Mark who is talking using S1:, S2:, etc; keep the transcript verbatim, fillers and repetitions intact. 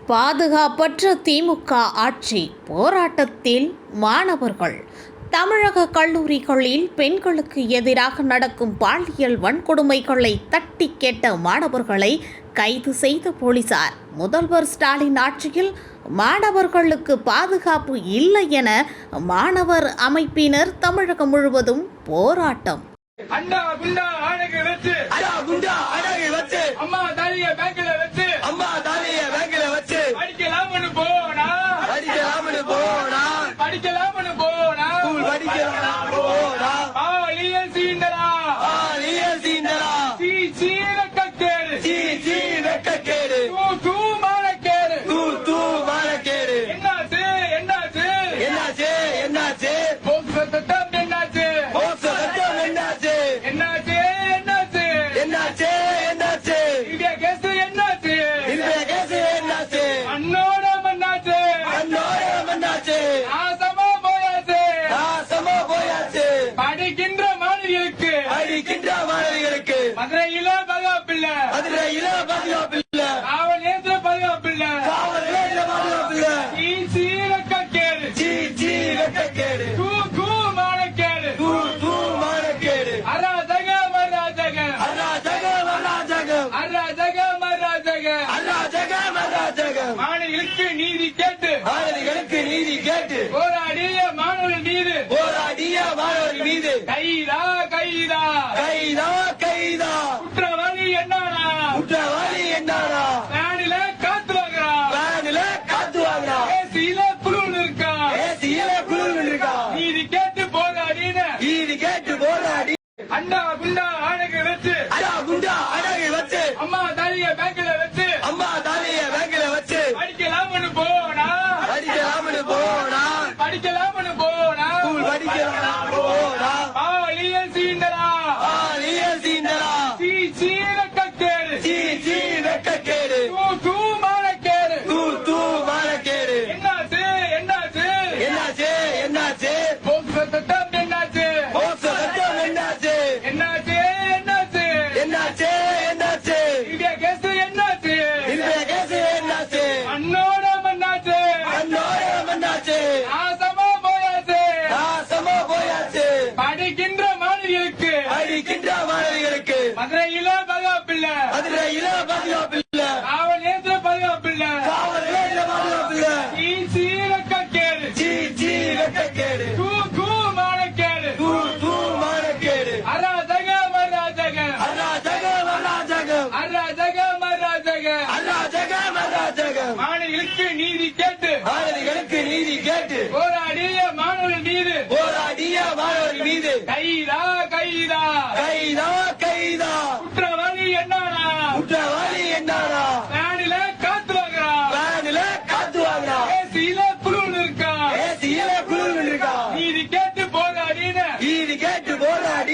S1: பாதுகாப்பற்ற திமுக ஆட்சி போராட்டத்தில் மாணவர்கள். தமிழக கல்லூரிகளில் பெண்களுக்கு எதிராக நடக்கும் பாலியல் வன்கொடுமைகளை தட்டி கேட்ட மாணவர்களை கைது செய்த போலீசார். முதல்வர் ஸ்டாலின் ஆட்சியில் மாணவர்களுக்கு பாதுகாப்பு இல்லை என மாணவர் அமைப்பினர் தமிழகம் முழுவதும் போராட்டம்.
S2: அண்ணா குண்டா ஆணையை வச்சு
S3: அண்ணா குண்டா ஆணையை வச்சு
S2: அம்மா தாலிய பேங்க்ல வச்சு
S3: அம்மா தாலிய பேங்க்ல வச்சு
S2: படிக்கலாம்னு போனா
S3: படிக்கலாம்னு போனா
S2: படிக்கலாம்னு போனா
S3: ஸ்கூல் படிக்கலாம் போனா
S2: பாலியல் சீண்டலா
S3: பாலியல் சீண்டலா
S2: சீ சீ வெக்கக்கேடு
S3: சீ சீ வெக்கக்கேடு
S2: தூ தூ மானக்கேடு
S3: தூ தூ மானக்கேடு
S2: என்னாச்சு என்னாச்சு
S3: என்னாச்சு என்னாச்சு
S2: போக்சோ சட்டம் என்னாச்சு
S3: போக்சோ சட்டம் என்னாச்சு
S2: என்னாச்சு என்னாச்சு
S3: என்னாச்சு என்னாச்சு
S2: இந்தியா கேஸ் என்னாச்சு
S3: இந்த கேஸ் என்னாச்சு
S2: அண்ணோட மண்ணாச்சு
S3: அண்ணோட மண்ணாச்சு
S2: ஆசமா போயாச்சு
S3: நாசமா போயாச்சு
S2: படிக்கின்ற மாணவிகளுக்கு
S3: அடிக்கின்ற மாணவிகளுக்கு
S2: மதுரையில பாதுகாப்பில்ல
S3: மதுரையில பாதுகாப்பில்ல
S2: காவல் நிலையத்துல பாதுகாப்பில்ல
S3: காவல் நிலையத்துல பாதுகாப்பில்ல
S2: சீ சீ வெக்கக்கேடு
S3: சீ சீ வெக்கக்கேடு
S2: தூ தூ மானக்கேடு
S3: தூ தூ மானக்கேடு
S2: அராஜகம் அராஜகம்
S3: அராஜகம் அராஜகம்
S2: அராஜகம் அராஜகம்
S3: அராஜகம் அராஜகம்
S2: மாணவிகளுக்கு நீதி கேட்டு
S3: மாணவிகளுக்கு நீதி கேட்டு
S2: போராடிய மாணவர்கள் மீது
S3: போராடிய மாணவர்கள் மீது
S2: கைதா கைதா
S3: கைதா கைதா
S2: குற்றவாளி என்னானா
S3: குற்றவாளி என்னாரா
S2: வேனில காத்து வாங்குறா
S3: வேனில காத்து வாங்குறா
S2: ஏசியில குழுவில் இருக்கா
S3: ஏசியில குழுவில் இருக்கா
S2: நீதி கேட்டு போராடின
S3: நீதி கேட்டு போராடி
S2: அண்ணா குண்டா ஆணையை வச்சு
S3: அண்ணா குண்டா அடகை வச்சு
S2: அம்மா தாலிய பேங்க்ல வச்சு
S3: அம்மா தாலிய பேங்க்ல வச்சு
S2: படிக்கலாம்னு போனா
S3: படிக்கலாம்னு போனா
S2: படிக்கலாம்னு போனா
S3: ஸ்கூல் படிக்கலாம் போனா
S2: பாலியல் சீண்டலா
S3: பாலியல் சீண்டலா
S2: சீ சீ வெக்கக்கேடு
S3: சீ சீ வெக்கக்கேடு
S2: தூ தூ மானக்கேடு
S3: தூ தூ மானக்கேடு
S2: என்னாச்சு என்னாச்சு
S3: என்னாச்சு என்னாச்சு
S2: போக்சோ சட்டம் என்னாச்சு
S3: போக்சோ சட்டம் என்னாச்சு
S2: என்னாச்சு என்னாச்சு
S3: என்னாச்சு என்னாச்சு
S2: இந்தியா கேஸ் என்னாச்சு
S3: இந்த கேஸ் என்னாச்சு
S2: அண்ணோட மண்ணாச்சு
S3: அண்ணோட மண்ணாச்சு
S2: ஆசமா போயாச்சு
S3: நாசமா போயாச்சு
S2: படிக்கின்ற மாணவிகளுக்கு
S3: அடிக்கின்ற மாணவிகளுக்கு
S2: மதுரையில பாதுகாப்பில்ல
S3: மதுரையில பாதுகாப்பில்ல
S2: காவல் நிலையத்துல பாதுகாப்பில்ல
S3: காவல் நிலையத்துல பாதுகாப்பில்ல
S2: சீ சீ வெக்கக்கேடு
S3: சீ சீ வெக்கக்கேடு
S2: தூ தூ மானக்கேடு
S3: தூ தூ மானக்கேடு
S2: அராஜகம் அராஜகம்
S3: அராஜகம் அராஜகம்
S2: அராஜகம் அராஜகம்
S3: அராஜகம் அராஜகம்
S2: மாணவிகளுக்கு நீதி கேட்டு
S3: மாணவிகளுக்கு நீதி கேட்டு
S2: போராடிய மாணவர்கள் மீது
S3: போராடிய மாணவர்கள் மீது
S2: கைதா கைதா
S3: கைதா கைதா
S2: குற்றவாளி என்னானா